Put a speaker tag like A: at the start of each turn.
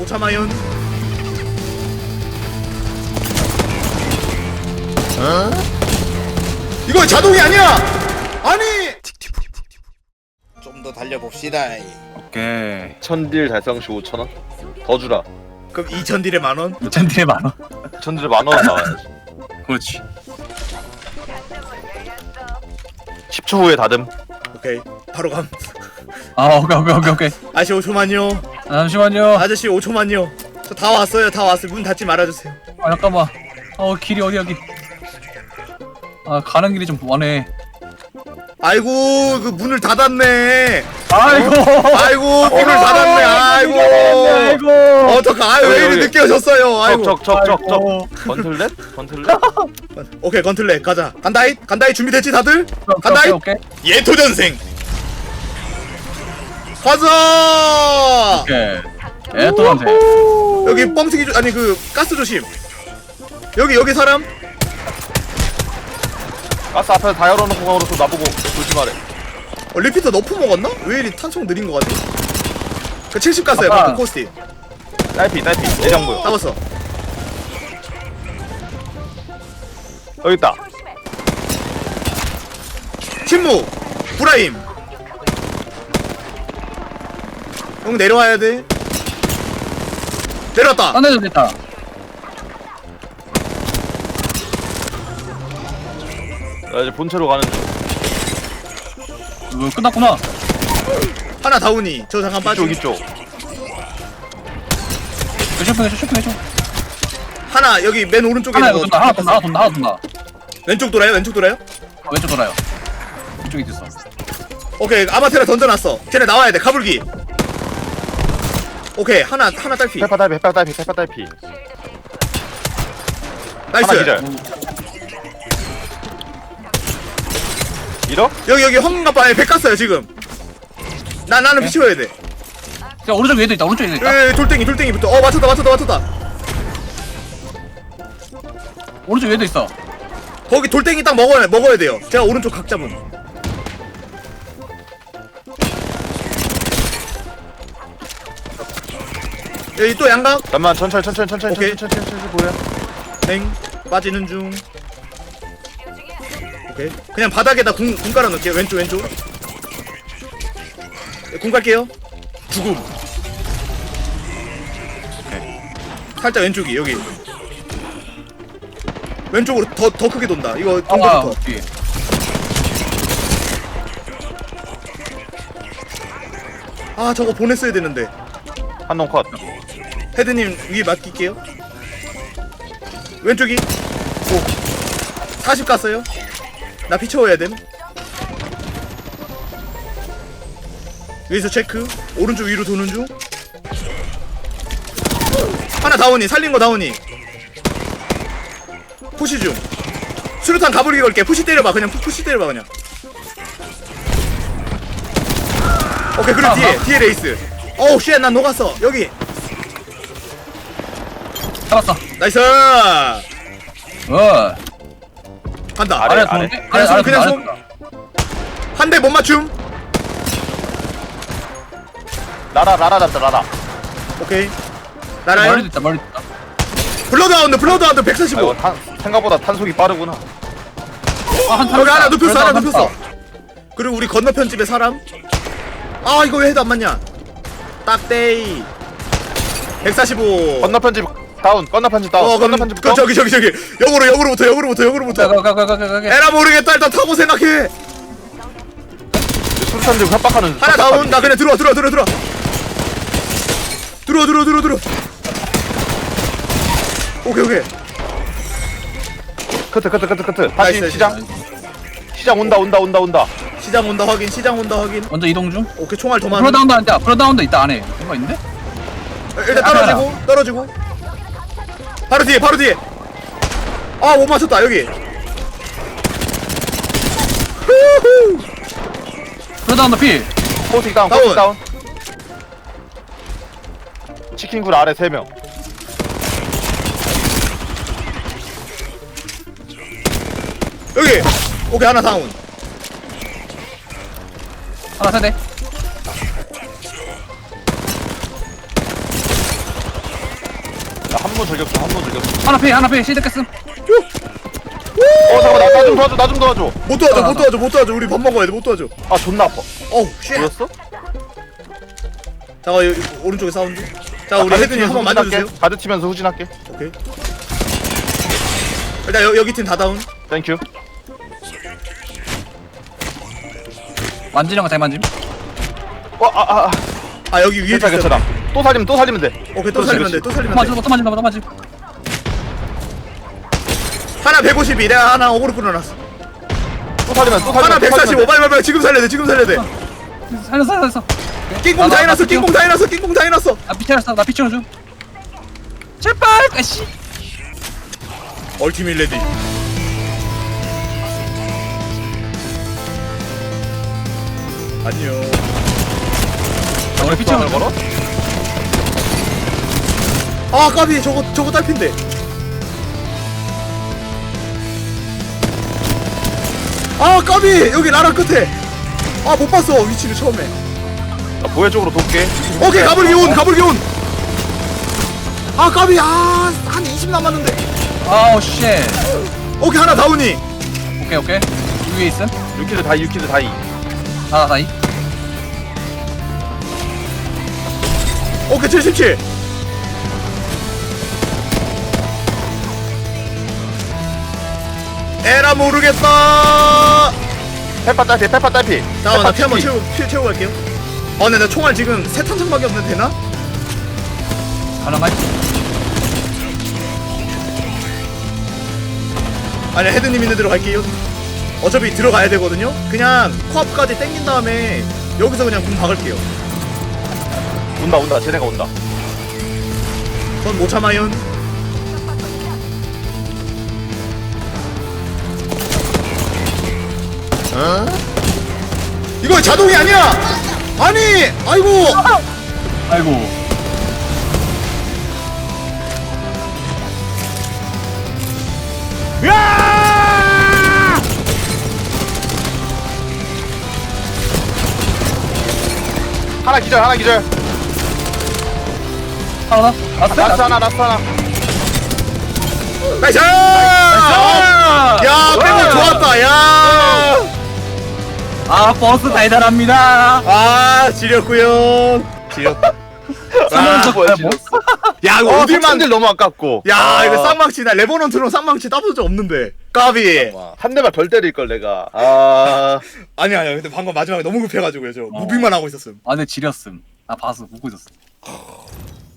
A: 참아연. 이거 자동이 아니야. 아니. 좀 더 달려봅시다.
B: 오케이.
C: 1000딜 달성 시 5,000원? 더 주라.
A: 그럼 2,000딜에 만원?
B: 2,000딜에 만원.
C: 1000딜에 만원 나와야지.
B: 그렇지.
C: 10초 후에 다듬.
A: 오케이 바로 감.
B: 아 오케이.
A: 아저씨 5초만요.
B: 잠시만요.
A: 아저씨 5초만요. 저 다 왔어요. 다 왔어요. 문 닫지 말아주세요.
B: 아 잠깐만. 길이 어디 여기. 아 가는 길이 좀 원해.
A: 아이고 그 문을 닫았네.
B: 아이고.
A: 아이고 문을 닫았네. 아이고. 어떡하. 아유 왜 이리
C: 여기.
A: 늦게 오셨어요. 아이고.
C: 적적적적. 건틀렛? 건틀렛?
A: 오케이 건틀렛 가자. 간다이 준비됐지 다들? 간다이.
B: 오케이.
A: 예토전생. 가자.
B: 오케이. 또 남세.
A: 여기 뻥튀기 아니 그 가스 조심. 여기 사람.
C: 가스 앞에 다 열어놓고 가로서 나보고 조심하래.
A: 리피터 너프 먹었나? 왜 이리 탄속 느린 거 같지? 그 70 가스야.
B: 아빠.
A: 그 코스티.
C: 딸피 내장부요.
A: 잡았어.
C: 여기 있다.
A: 침묵. 브라임. 형 내려와야 돼. 내려왔다.
B: 딴 데도 됐다.
C: 나 이제 본체로 가는 중.
B: 끝났구나.
A: 하나 다운이. 저 잠깐 빠지.
C: 이쪽.
B: 쇼핑해줘.
A: 하나 여기 맨 오른쪽에
B: 하나
A: 있는
B: 이거 돈다. 하나 돈다.
A: 왼쪽 돌아요? 왼쪽 돌아요?
B: 왼쪽 돌아요. 이쪽에 있어.
A: 오케이 아마테라 던져놨어. 쟤네 나와야 돼. 가불기. 오케이 하나 딸피.
C: 페파 딸피. 하나
A: 나이스.
C: 기절. 밀어?
A: 여기 황금갑바에 백 갔어요 지금. 나는 피치워야 돼.
B: 야 오른쪽 위에도 있다.
A: 돌덩이부터. 맞췄다.
B: 오른쪽 위에도 있어.
A: 거기 돌덩이 딱 먹어야 돼요. 제가 오른쪽 각 잡음. 여기 또 양각.
C: 잠깐만 천천히
A: 오케이.
C: 보여.
A: 땡 빠지는 중. 오케이 그냥 바닥에다 궁 깔아놓을게요. 왼쪽 궁 깔게요. 죽음. 살짝 왼쪽이 여기 왼쪽으로 더 크게 돈다. 이거 동부부터.
B: 뒤에.
A: 아 저거 보냈어야 되는데.
C: 한놈 컷.
A: 헤드님 위에 맡길게요. 왼쪽이. 오 40 갔어요. 나 피쳐워야 됨. 여기서 체크. 오른쪽 위로 도는 중. 하나 다운이. 살린 거 다운이. 푸시 중. 수류탄 가불기 걸게. 푸시 때려봐. 그냥 푸시 때려봐 그냥. 오케이 그리고 뒤에 레이스. 어우 쉣 난 녹았어. 여기.
B: 잡았어.
A: 나이스. 간다.
C: 아래.
A: 그냥 솜. 한 대 못 맞춤.
C: 라라 잡자 라라.
A: 오케이. 나라요.
B: 멀리 있다.
A: 블러드하운드 145.
C: 이거 생각보다 탄속이 빠르구나.
A: 여기 하나 눕혔어. 그리고 우리 건너편 집에 사람. 아 이거 왜 해도 안 맞냐. 딱데이 145.
C: 건너편 집 다운. 건너편 집 다운. 건너편 집 다운.
A: 저기 역으로부터.
B: 가.
A: 에라 모르겠다. 일단 타고 생각해.
C: 수류탄 들고 협박하는.
A: 하나 다운. 나 그냥 들어와. 오케이.
C: 커트. 다시
A: 나이스,
C: 시장 온다.
A: 시장 온다 확인.
B: 먼저 이동 중.
A: 오케이 총알 도만.
B: 프로다운도 안 돼. 프로다운도 있다 안에. 뭔가 있는데?
A: 일단 떨어지고. 바로 뒤에. 아 못 맞췄다 여기.
B: 프로다운도 피.
C: 포스틱 다운. 치킨굴 아래 3명.
A: 여기. 오케이 하나 다운.
B: 하나 세대.
C: 한번 저격수 한번 저격수.
B: 하나 패 실드 깼음.
C: 잠깐만 나 좀 도와줘 나 좀 도와줘.
A: 못 도와줘 우리 밥 먹어야 돼못 도와줘.
C: 아 존나 아파.
A: 어우 쉣.
C: 보였어?
A: 잠깐 여기 오른쪽에 사운드. 자 우리 헤드님 한번 만져주세요.
C: 가드 치면서 후진할게.
A: 오케이. 일단 여기 팀 다 다운.
C: 땡큐.
B: 만지는 거 잘 만짐.
A: 아 여기 위에
C: 괜찮아 괜찮아. 또 살리면 돼.
A: 오케이 또 살리면 돼. 또 살리면 돼.
B: 또 만짐.
A: 하나 152. 내가 하나 어그로 끌어놨어.
C: 또 살리면
A: 하나 145. 빨리 지금 살려야 돼. 지금 살려야 돼.
B: 살렸어.
A: 낑공 다 해놨어. 낑공 다 해놨어.
B: 아 비켜놨어. 나 비켜줘. 제발. 아씨.
A: 얼티밋 레디. 안녕.
B: 우리 비켜줘.
C: 걸어?
A: 아 까비 저거 딸핀데. 아 까비 여기 라라 끝에. 아 못 봤어 위치를 처음에.
C: 나 보혜 쪽으로 돕게.
A: 오케이 가불기 온. 아 까비 한 20 남았는데.
B: 아우 쉣.
A: 오케이 하나 다운이.
B: 오케이. 위에 있음.
C: 유키드 다이.
B: 하나 다이.
A: 오케이 77. 에라 모르겠다.
C: 페파 딸피.
A: 잠깐만 나 피 한번 채우고 갈게요. 근데 나 총알 지금 세 탄창밖에 없는데 되나?
B: 가능하지?
A: 아니 헤드님 있는 데로 갈게요. 어차피 들어가야 되거든요. 그냥 코앞까지 땡긴 다음에 여기서 그냥 군 박을게요.
C: 온다. 쟤네가 온다.
A: 전 못 참아요. 이거 자동이 아니야. 아니 아이고.
B: 아이고.
A: 야!
C: 하나 기절.
B: 하나.
C: 라스트 하나.
A: 나이스! 야 빼고 좋았다. 야.
B: 아 버스 달달합니다.
A: 아 지렸구요. 지렸다.
C: 뭐야 지금?
A: 야 이거
C: 어딜만
A: 어딜만
C: 들 너무 아깝고.
A: 야 이거 쌍망치 나 레버넌트로 쌍망치 따본 적 없는데 까비.
C: 한 대만 덜 때릴 걸 내가.
A: 아니야 근데 방금 마지막에 너무 급해가지고요 저 무빙만 하고 있었음.
B: 아 근데 지렸음. 나 봐서 보고 있었어.